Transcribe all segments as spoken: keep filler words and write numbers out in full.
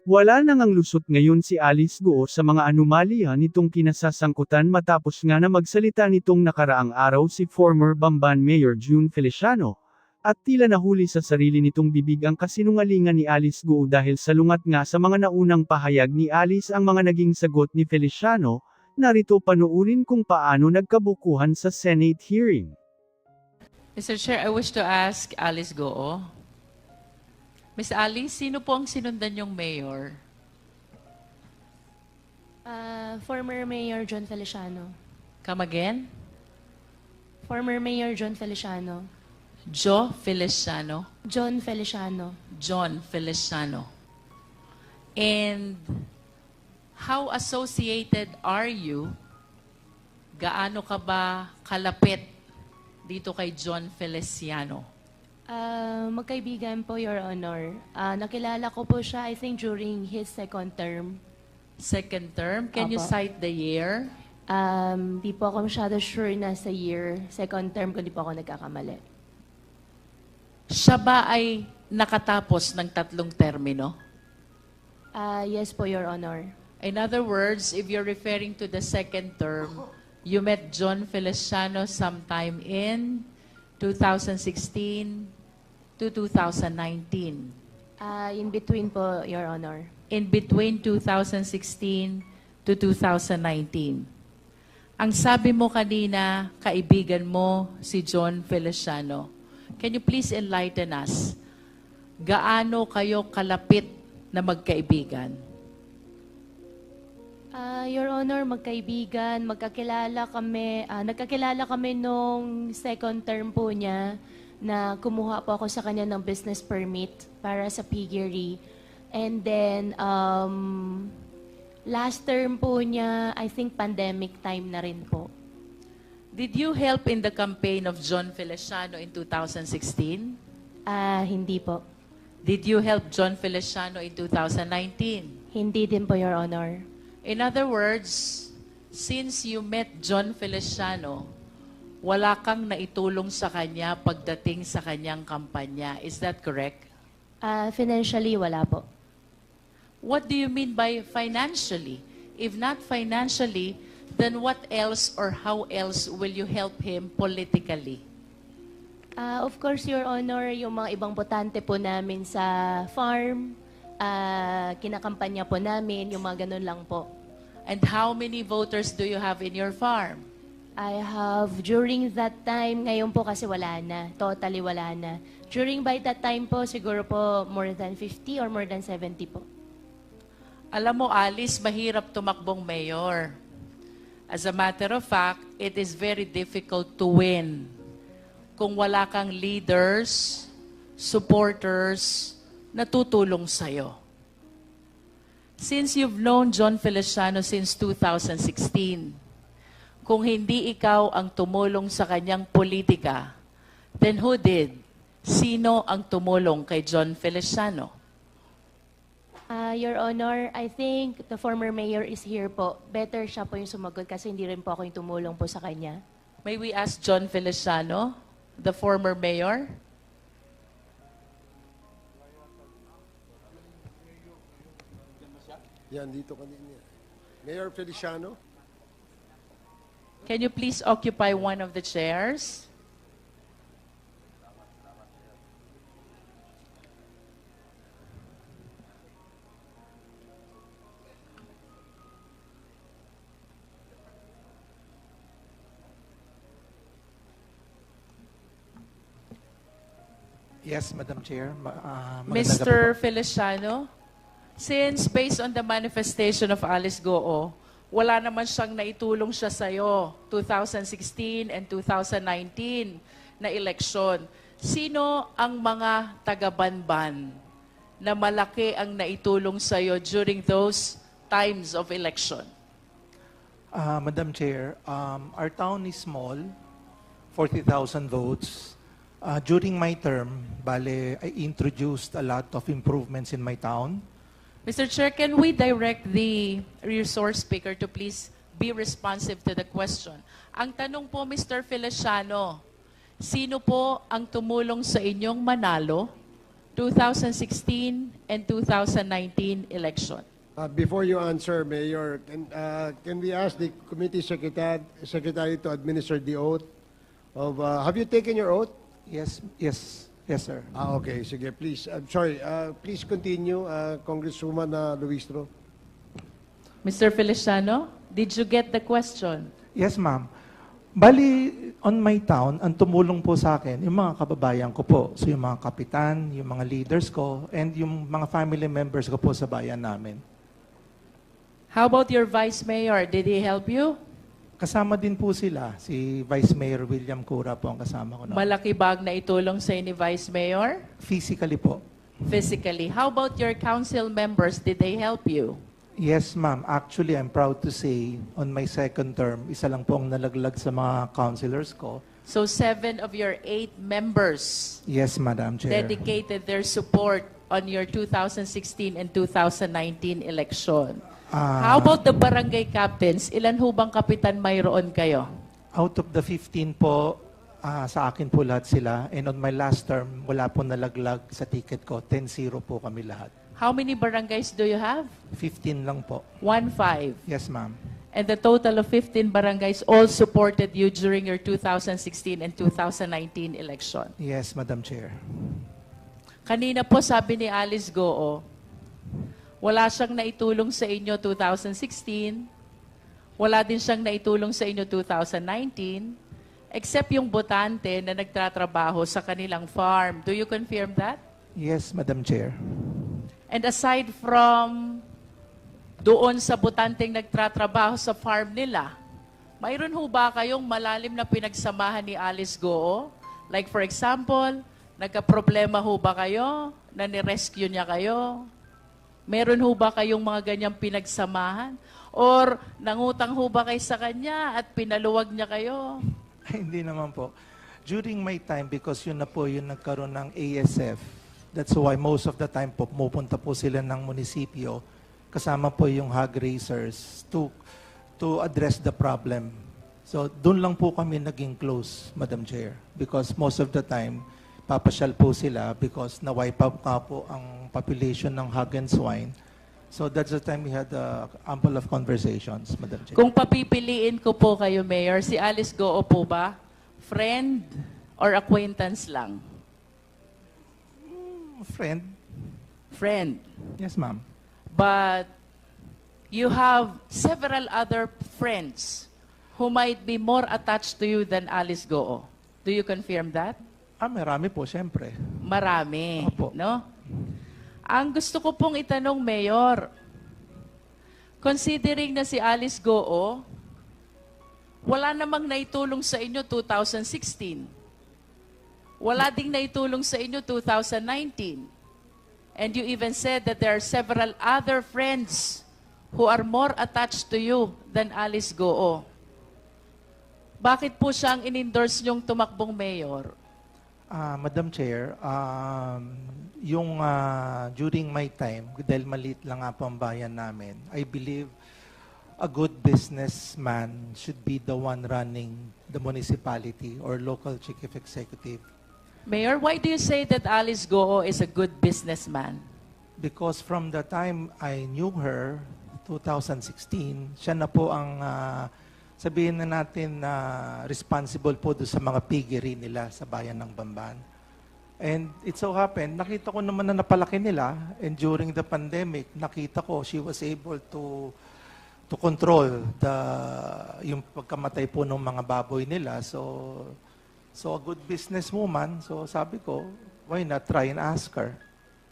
Wala nang ang lusot ngayon si Alice Guo sa mga anomalya nitong kinasasangkutan matapos nga na magsalita nitong nakaraang araw si former Bamban Mayor June Feliciano. At tila nahuli sa sarili nitong bibig ang kasinungalingan ni Alice Guo dahil salungat nga sa mga naunang pahayag ni Alice ang mga naging sagot ni Feliciano. Narito panuurin kung paano nagkabukuhan sa Senate hearing. Mister Chair, I wish to ask Alice Goo. Miss Alice, sino po ang sinundan yung mayor? Uh, former Mayor John Feliciano. Come again? Former Mayor John Feliciano. Joe Feliciano. John Feliciano. John Feliciano. And how associated are you? Gaano ka ba kalapit dito kay John Feliciano? Uh, magkaibigan po, Your Honor. Uh, nakilala ko po siya, I think, during his second term. Second term? Can you Apo. cite the year? Um, di po ako masyado sure na sa year. Second term ko, di po ako nagkakamali. Siya ba ay nakatapos ng tatlong termino? Uh, yes po, Your Honor. In other words, if you're referring to the second term, you met John Feliciano sometime in two thousand sixteen to two thousand nineteen. Uh, in between po, Your Honor. In between two thousand sixteen to two thousand nineteen. Ang sabi mo kanina, kaibigan mo si John Feliciano. Can you please enlighten us? Gaano kayo kalapit na magkaibigan? Uh, Your Honor, magkaibigan, magkakilala kami, uh, nagkakilala kami nung second term po niya na kumuha po ako sa kanya ng business permit para sa piggery. And then, um, last term po niya, I think pandemic time na rin po. Did you help in the campaign of John Feliciano in two thousand sixteen? Ah, hindi po. Did you help John Feliciano in two thousand nineteen? Hindi din po, Your Honor. In other words, since you met John Feliciano, wala kang naitulong sa kanya pagdating sa kanyang kampanya. Is that correct? Ah, financially, wala po. What do you mean by financially? If not financially, then what else or how else will you help him politically? Ah, of course, Your Honor, yung mga ibang botante po namin sa farm, ah, kinakampanya po namin, yung mga ganun lang po. And how many voters do you have in your farm? I have, during that time, ngayon po kasi wala na, totally wala na. During by that time po, siguro po more than fifty or more than seventy po. Alam mo, Alice, mahirap tumakbong mayor. As a matter of fact, it is very difficult to win kung wala kang leaders, supporters, na tutulong sa'yo. Since you've known John Feliciano since two thousand sixteen, kung hindi ikaw ang tumulong sa kanyang politika, then who did? Sino ang tumulong kay John Feliciano? Ah, Your Honor, I think the former mayor is here po. Better siya po yung sumagot kasi hindi rin po ako yung tumulong po sa kanya. May we ask John Feliciano, the former mayor? Yan, dito kanina. Mayor Feliciano? Can you please occupy one of the chairs? Yes, Madam Chair. Ma- uh, magandang gabi Mister po. Feliciano, since based on the manifestation of Alice Goo, wala naman siyang naitulong siya sa'yo, two thousand sixteen and two thousand nineteen na eleksyon. Sino ang mga taga-Banban na malaki ang naitulong sa'yo during those times of election? Uh, Madam Chair, um, our town is small, forty thousand votes. Uh, during my term, bale, I introduced a lot of improvements in my town. Mister Chair, can we direct the resource speaker to please be responsive to the question? Ang tanong po, Mister Feliciano, sino po ang tumulong sa inyong manalo two thousand sixteen and two thousand nineteen election. Uh, before you answer, Mayor, can, uh, can we ask the committee secretary, secretary to administer the oath of, uh, have you taken your oath? Yes, yes, yes, sir. Ah, okay, sige, please. I'm sorry, uh, please continue, uh, Congresswoman uh, Luistro. Mister Feliciano, did you get the question? Yes, ma'am. Bali, on my town, ang tumulong po sa akin, yung mga kababayan ko po. So, yung mga kapitan, yung mga leaders ko, and yung mga family members ko po sa bayan namin. How about your vice mayor? Did he help you? Kasama din po sila. Si Vice Mayor William Cura po ang kasama ko. Na. Malaki bag na itulong sa ni vice mayor? Physically po. Physically. How about your council members? Did they help you? Yes, ma'am. Actually, I'm proud to say, on my second term, isa lang po ang nalaglag sa mga councilors ko. So seven of your eight members Yes, Madam Chair. dedicated their support on your two thousand sixteen and two thousand nineteen election. Ah, How about the barangay captains? Ilan ho bang kapitan mayroon kayo? Out of the fifteen po, ah, sa akin po lahat sila. And on my last term, wala po nalaglag sa ticket ko. ten zero po kami lahat. How many barangays do you have? fifteen lang po. One five. Yes, ma'am. And the total of fifteen barangays all supported you during your two thousand sixteen and two thousand nineteen election. Yes, Madam Chair. Kanina po sabi ni Alice Goo, wala siyang naitulong sa inyo two thousand sixteen, wala din siyang naitulong sa inyo two thousand nineteen, except yung botante na nagtatrabaho sa kanilang farm. Do you confirm that? Yes, Madam Chair. And aside from doon sa botanteng nagtatrabaho sa farm nila, mayroon ho ba kayong malalim na pinagsamahan ni Alice Goo? Like for example, nagka-problema ho ba kayo na ni-rescue niya kayo? Meron ho ba kayong mga ganyang pinagsamahan? Or nangutang ho ba kayo sa kanya at pinaluwag niya kayo? Ay, hindi naman po. During my time, because yun na po yung nagkaroon ng A S F, that's why most of the time po, pumupunta po sila ng munisipyo, kasama po yung hog raisers to, to address the problem. So, doon lang po kami naging close, Madam Chair. Because most of the time, papasyal po sila because na-wipe out nga po ang population ng hog and swine. So that's the time we had uh, ample of conversations, Madam Chair. Kung papipiliin ko po kayo, Mayor, si Alice Goo po ba? Friend or acquaintance lang? Friend? Friend. Yes, ma'am. But you have several other friends who might be more attached to you than Alice Goo. Do you confirm that? Ah, marami po, siyempre. Marami, Opo. no? Ang gusto ko pong itanong, Mayor, considering na si Alice Goo, wala namang naitulong sa inyo two thousand sixteen. Wala ding naitulong sa inyo two thousand nineteen. And you even said that there are several other friends who are more attached to you than Alice Goo. Bakit po siyang in-endorse niyong tumakbong mayor? Ah, Madam Chair, um, yung ah, during my time, dahil maliit lang nga po ang bayan namin, I believe a good businessman should be the one running the municipality or local chief executive. Mayor, why do you say that Alice Goo is a good businessman? Because from the time I knew her, two thousand sixteen, siya na po ang, ah, sabihin na natin na responsible po doon sa mga piggery nila sa bayan ng Bamban. And it so happened, nakita ko naman na napalaki nila, and during the pandemic, nakita ko she was able to to control the yung pagkamatay po ng mga baboy nila. So, so a good businesswoman, so sabi ko, why not try and ask her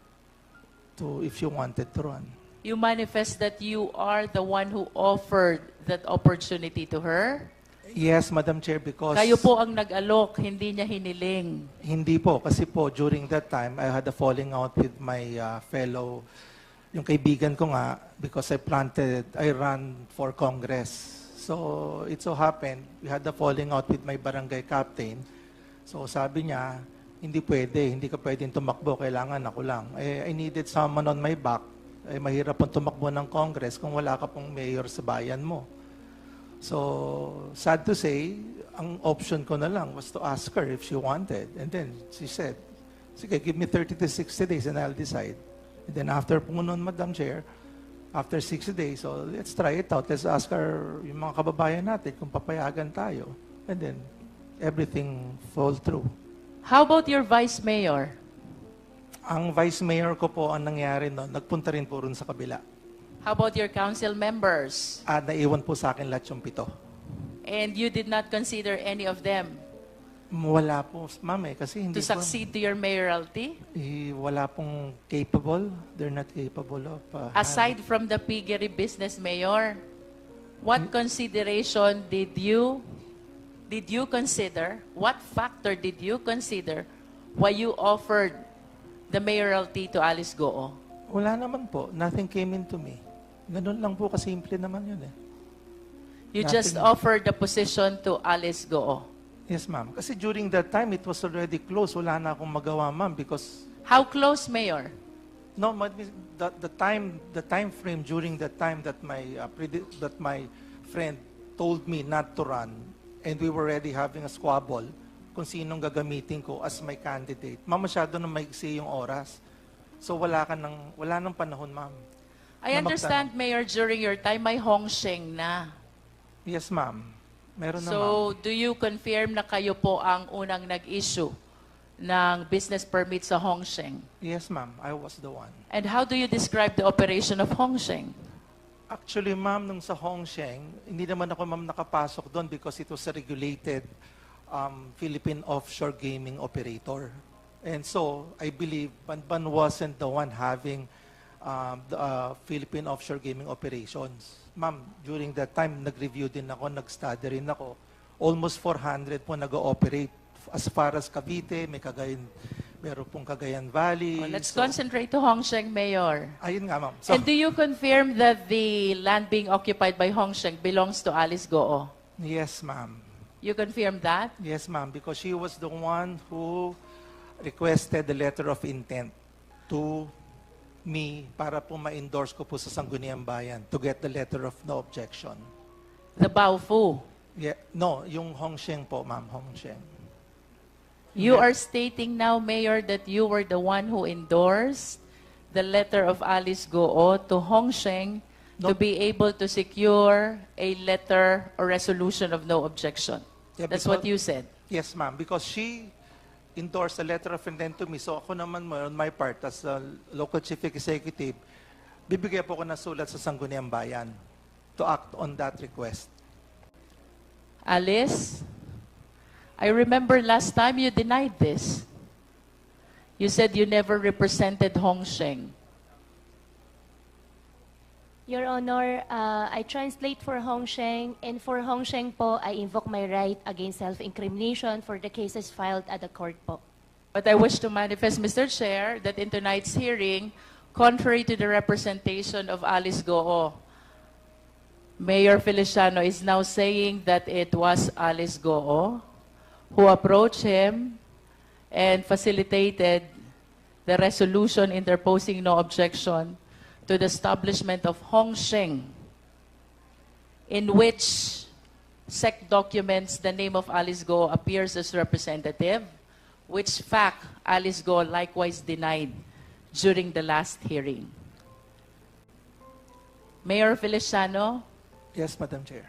to if you wanted to run. You manifest that you are the one who offered that opportunity to her? Yes, Madam Chair, because... Kayo po ang nag-alok, hindi niya hiniling. Hindi po, kasi po during that time, I had a falling out with my uh, fellow, yung kaibigan ko nga, because I planted, I ran for Congress. So, it so happened, we had a falling out with my barangay captain. So, sabi niya, hindi pwede, hindi ka pwedeng tumakbo, kailangan ako lang. Eh, I needed someone on my back. Eh, mahirap pong tumakbo ng Congress kung wala ka pong mayor sa bayan mo. So, sad to say, ang option ko na lang was to ask her if she wanted. And then she said, Sige, give me thirty to sixty days and I'll decide. And then after po nun, Madam Chair, after sixty days, so let's try it out. Let's ask our, yung mga kababayan natin kung papayagan tayo. And then, everything fall through. How about your vice mayor? Ang vice mayor ko po, ang nangyari noon, nagpunta rin po rin sa kabila. How about your council members? At naiwan po sa akin lahat yung pito. And you did not consider any of them Wala po, ma'am eh, kasi hindi to succeed to your mayoralty? po, eh, wala pong capable. They're not capable of... uh, Aside from the piggery business mayor, what consideration did you did you consider? What factor did you consider why you offered the mayoralty to Alice Goo? Wala naman po. Nothing came into me. Ganun lang po, kasimple naman yun eh. You just Nothing. offered the position to Alice Goo. Yes, ma'am. Kasi during that time, it was already closed. Wala na akong magawa, ma'am, because How close, Mayor? no, ma- the, the time the time frame during that time that my uh, predi- that my friend told me not to run, and we were already having a squabble kung sinong gagamitin ko as my candidate. Ma'am, masyado na maigsi yung oras. So wala ka ng wala nang panahon, ma'am. I Na understand, Mayor, during your time, may Hong Sheng na. Yes, ma'am. Meron na, ma'am. So, do you confirm na kayo po ang unang nag-issue ng business permit sa Hong Sheng? Yes, ma'am. I was the one. And how do you describe the operation of Hong Sheng? Actually, ma'am, nung sa Hongsheng, hindi naman ako, ma'am, nakapasok doon because it was a regulated um, Philippine offshore gaming operator. And so, I believe Banban wasn't the one having um, the uh, Philippine offshore gaming operations. Ma'am, during that time, nag-review din ako, nag-study rin ako. Almost four hundred po nag-ooperate as far as Cavite, may Cagayan, meron pong Cagayan Valley. Well, let's So, concentrate to Hong Sheng, Mayor. ayun nga, ma'am. So, And do you confirm that the land being occupied by Hong Sheng belongs to Alice Goo? yes, ma'am. You confirm that? Yes, ma'am, because she was the one who requested the letter of intent to me para po ma-endorse ko po sa Sangguniang Bayan to get the letter of no objection. The Baofu. Yeah, no, yung Hongsheng po, ma'am, Hongsheng. You Yeah. are stating now, Mayor, that you were the one who endorsed the letter of Alice Goo to Hong Sheng to No. be able to secure a letter or resolution of no objection. Yeah, That's because- what you said. Yes, ma'am, because she endorsed a letter of intent to me. So ako naman, on my part, as a local chief executive, bibigyan po ko ng sulat sa Sangguniang Bayan to act on that request. Alice, I remember last time you denied this. You said you never represented Hong Sheng. Your Honor, uh, I translate for Hong Sheng, and for Hong Sheng po, I invoke my right against self-incrimination for the cases filed at the court po. But I wish to manifest, Mister Chair, that in tonight's hearing, contrary to the representation of Alice Goo, Mayor Feliciano is now saying that it was Alice Goo who approached him and facilitated the resolution interposing no objection to the establishment of Hong Sheng, in which S E C documents the name of Alice Goo appears as representative, which fact Alice Goo likewise denied during the last hearing. Mayor Feliciano, Yes, Madam Chair.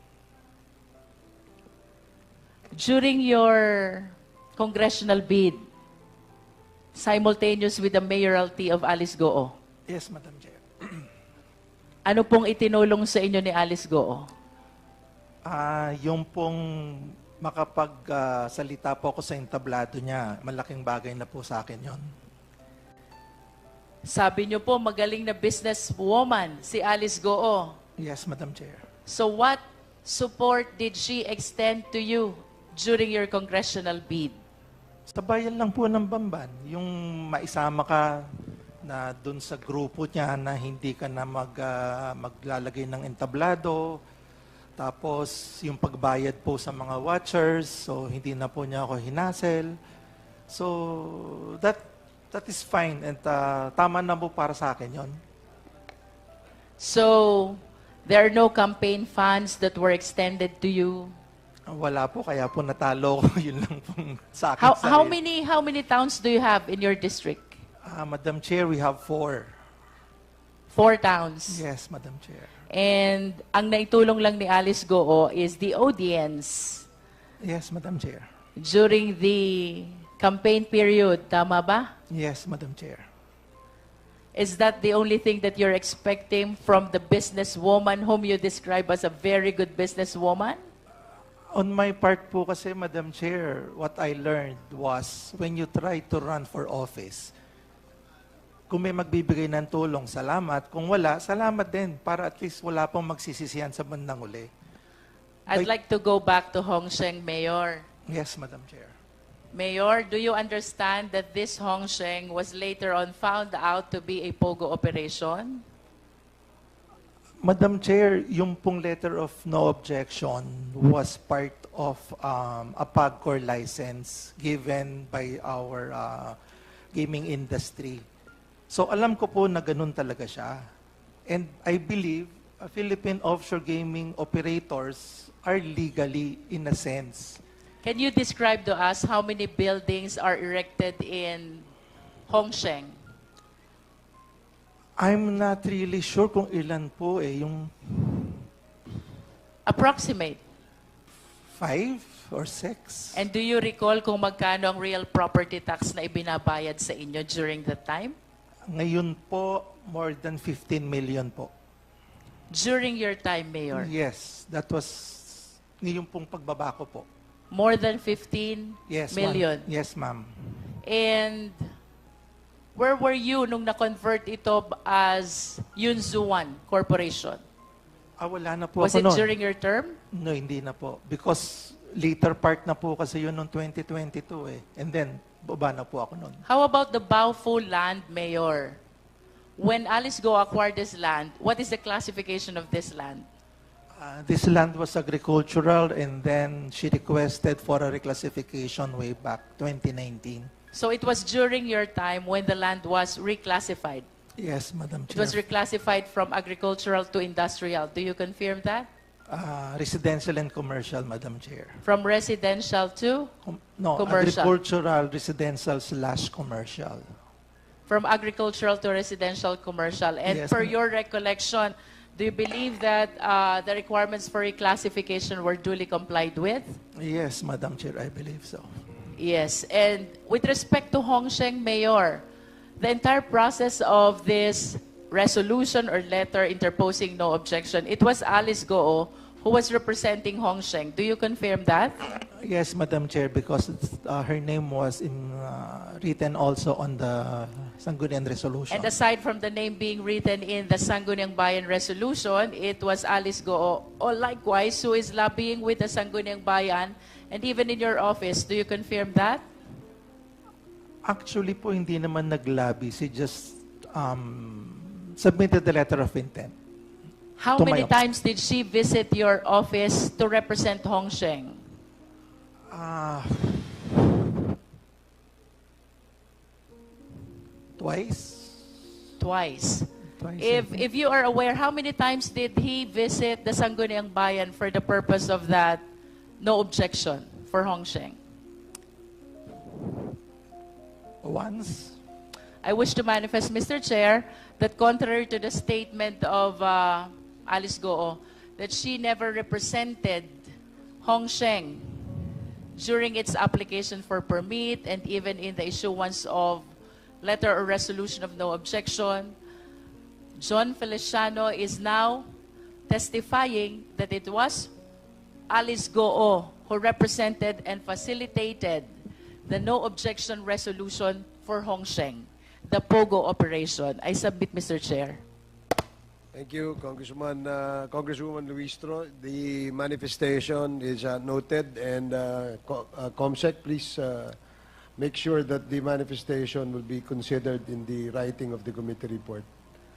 during your congressional bid, simultaneous with the mayoralty of Alice Goo, Yes, Madam Chair. ano pong itinulong sa inyo ni Alice Goo? Ah, yung pong makapagsalita po ako sa entablado niya, malaking bagay na po sa akin yon. Sabi niyo po, magaling na businesswoman si Alice Goo. Yes, Madam Chair. So what support did she extend to you during your congressional bid? Sa bayan lang po ng Bamban, yung maisama ka na dun sa grupo niya na hindi ka na mag, ah, maglalagay ng entablado, tapos yung pagbayad po sa mga watchers, so hindi na po niya ako hinasel. So that that is fine and ah, tama na po para sa akin yon. So there are no campaign funds that were extended to you? Wala po, kaya po natalo ko. Yun lang pong sa akin. How, sa how rin. many how many towns do you have in your district? Ah, Madam Chair, we have four. Four towns. Yes, Madam Chair. And ang naitulong lang ni Alice Goo is the audience Yes, Madam Chair. during the campaign period. Tama ba? Yes, Madam Chair. Is that the only thing that you're expecting from the businesswoman whom you describe as a very good businesswoman? On my part po kasi, Madam Chair, what I learned was when you try to run for office, kung may magbibigay ng tulong, salamat. Kung wala, salamat din para at least wala pong magsisisihan sa bandang uli. I'd Like- like to go back to Hong Sheng, Mayor. Yes, Madam Chair. Mayor, do you understand that this Hong Sheng was later on found out to be a POGO operation? Madam Chair, yung pong letter of no objection was part of um, a PAGCOR license given by our uh, gaming industry. So alam ko po na ganun talaga siya. And I believe uh, Philippine offshore gaming operators are legally in a sense. Can you describe to us how many buildings are erected in Hong Sheng? I'm not really sure kung ilan po eh, yung Approximate. five or six. And do you recall kung magkano ang real property tax na ibinabayad sa inyo during that time? Ngayon po, more than fifteen million po. During your time, Mayor? Yes, that was ngayong pong pagbaba ko po. More than fifteen Yes, million. ma'am. Yes, ma'am. And where were you nung na-convert ito as Yunzuan Corporation? Ah, wala na po Was ako it noon. during your term? No, hindi na po. Because later part na po kasi yun noong twenty twenty-two eh. And then, baba na po ako noon. How about the Baofu land, Mayor? When Alice Go acquired this land, what is the classification of this land? Uh, this land was agricultural and then she requested for a reclassification way back twenty nineteen. So it was during your time when the land was reclassified. Yes, Madam It was Chair. reclassified from agricultural to industrial. Do you confirm that? Uh, residential and commercial, Madam Chair. From residential to? Com- no, Commercial. agricultural, residential slash commercial. From agricultural to residential commercial. And Yes, per ma'am. your recollection, do you believe that uh, the requirements for reclassification were duly complied with? Yes, Madam Chair, I believe so. Yes. And with respect to Hong Sheng, Mayor, the entire process of this resolution or letter interposing no objection, it was Alice Goo who was representing Hong Sheng. Do you confirm that? Yes, Madam Chair, because it's, uh, her name was in, uh, written also on the Sangguniang Resolution. And aside from the name being written in the Sangguniang Bayan Resolution, it was Alice Goo, or likewise, who is lobbying with the Sangguniang Bayan, and even in your office. Do you confirm that? Actually po, hindi naman naglabi. She just um, submitted the letter of intent. How To my many office. times did she visit your office to represent Hong Sheng? Ah, twice? Twice. Twice. If, I think. if you are aware, how many times did he visit the Sangguniang Bayan for the purpose of that no objection for Hong Sheng? Once? I wish to manifest, Mister Chair, that contrary to the statement of uh, Alice Goo, that she never represented Hong Sheng during its application for permit and even in the issuance of letter or resolution of no objection, John Feliciano is now testifying that it was Alice Goo who represented and facilitated the no objection resolution for Hong Sheng, the POGO operation. I submit, Mister Chair. Thank you, Congressman, uh, Congresswoman Luistro. The manifestation is uh, noted, and uh, Co- uh, COMSEC, please uh, make sure that the manifestation will be considered in the writing of the committee report.